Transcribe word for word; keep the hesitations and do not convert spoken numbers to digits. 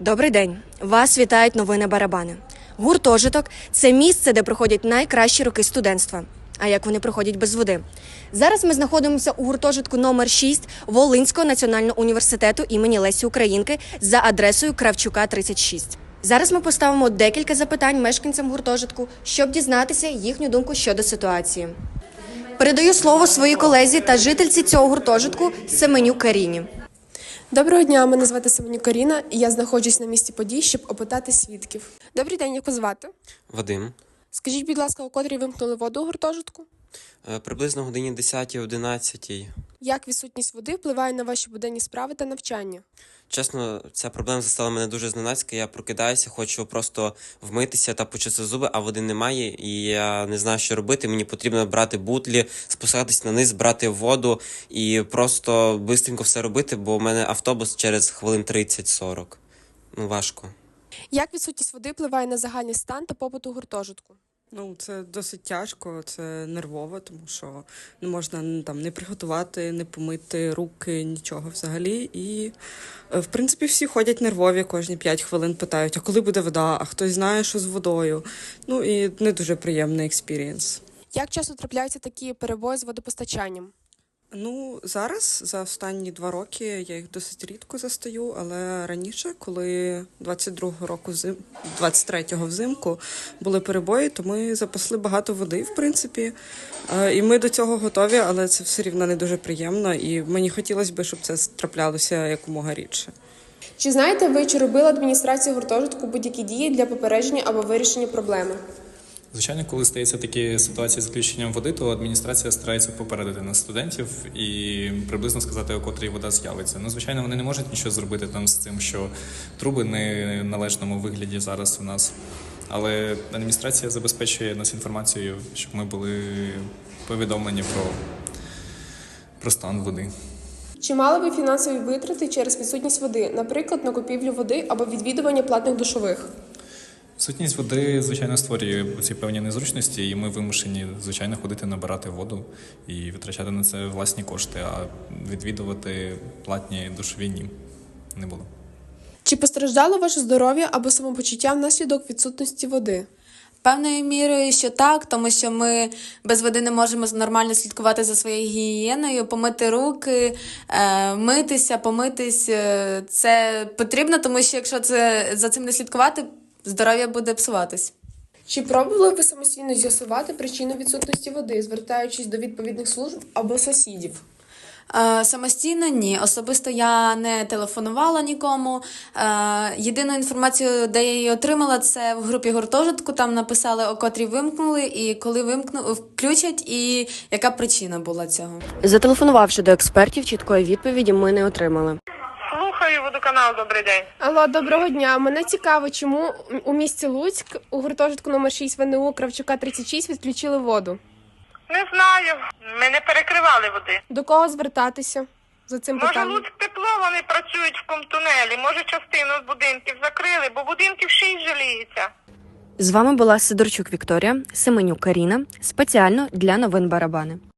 Добрий день! Вас вітають новини Барабани. Гуртожиток – це місце, де проходять найкращі роки студентства. А як вони проходять без води? Зараз ми знаходимося у гуртожитку номер шість Волинського національного університету імені Лесі Українки за адресою Кравчука, тридцять шість. Зараз ми поставимо декілька запитань мешканцям гуртожитку, щоб дізнатися їхню думку щодо ситуації. Передаю слово своїй колезі та жительці цього гуртожитку Семенюк Каріні. Доброго дня, мене звати Семенюк Каріна, і я знаходжусь на місці подій, щоб опитати свідків. Добрий день, як вас звати? Вадим. Скажіть, будь ласка, у котрій вимкнули воду у гуртожитку? Е, Приблизно годині десятій-одинадцятій. Як відсутність води впливає на ваші буденні справи та навчання? Чесно, ця проблема застала мене дуже зненацька. Я прокидаюся, хочу просто вмитися та почистити зуби, а води немає, і я не знаю, що робити. Мені потрібно брати бутлі, спускатись на низ, брати воду і просто швидко все робити, бо в мене автобус через хвилин тридцять-сорок. Ну, важко. Як відсутність води впливає на загальний стан та побут у гуртожитку? Ну, це досить тяжко, це нервово, тому що не можна ну, там не приготувати, не помити руки, нічого взагалі. І, в принципі, всі ходять нервові, кожні п'ять хвилин питають, а коли буде вода, а хтось знає, що з водою. Ну, і не дуже приємний експірієнс. Як часто трапляються такі перебої з водопостачанням? Ну, зараз, за останні два роки, я їх досить рідко застаю, але раніше, коли двадцять другого року, двадцять третього взимку були перебої, то ми запасли багато води, в принципі, і ми до цього готові, але це все рівно не дуже приємно, і мені хотілося б, щоб це траплялося якомога рідше. Чи знаєте ви, чи робила адміністрація гуртожитку будь-які дії для попередження або вирішення проблеми? Звичайно, коли стається такі ситуації з відключенням води, то адміністрація старається попередити нас студентів і приблизно сказати, у котрій вода з'явиться. Ну, звичайно, вони не можуть нічого зробити там з тим, що труби не в належному вигляді зараз у нас. Але адміністрація забезпечує нас інформацією, щоб ми були повідомлені про, про стан води. Чи мали ви фінансові витрати через відсутність води, наприклад, на купівлю води або відвідування платних душових? Сутність води, звичайно, створює ці певні незручності, і ми вимушені, звичайно, ходити набирати воду і витрачати на це власні кошти, а відвідувати платні душові ні, не було. Чи постраждало ваше здоров'я або самопочуття внаслідок відсутності води? Певною мірою, що так, тому що ми без води не можемо нормально слідкувати за своєю гігієною, помити руки, е, митися, помитись. Е, це потрібно, тому що якщо це, за цим не слідкувати, здоров'я буде псуватись. Чи пробували ви самостійно з'ясувати причину відсутності води, звертаючись до відповідних служб або сусідів? Е, самостійно ні. Особисто я не телефонувала нікому. Е, єдину інформацію, де я її отримала, це в групі гуртожитку. Там написали, о котрій вимкнули, і коли вимкну, включать, і яка причина була цього. Зателефонувавши до експертів, чіткої відповіді ми не отримали. Слухаю, водоканал, добрий день. Алло, доброго дня. Мене цікаво, чому у місті Луцьк у гуртожитку номер шість ВНУ Кравчука, тридцять шість відключили воду? Не знаю, ми не перекривали води. До кого звертатися за цим Може, питанням? Луцьк тепло, вони працюють в комтунелі, може частину будинків закрили, бо будинків шість жаліється. З вами була Сидорчук Вікторія, Семенюк Каріна, спеціально для новин Барабани.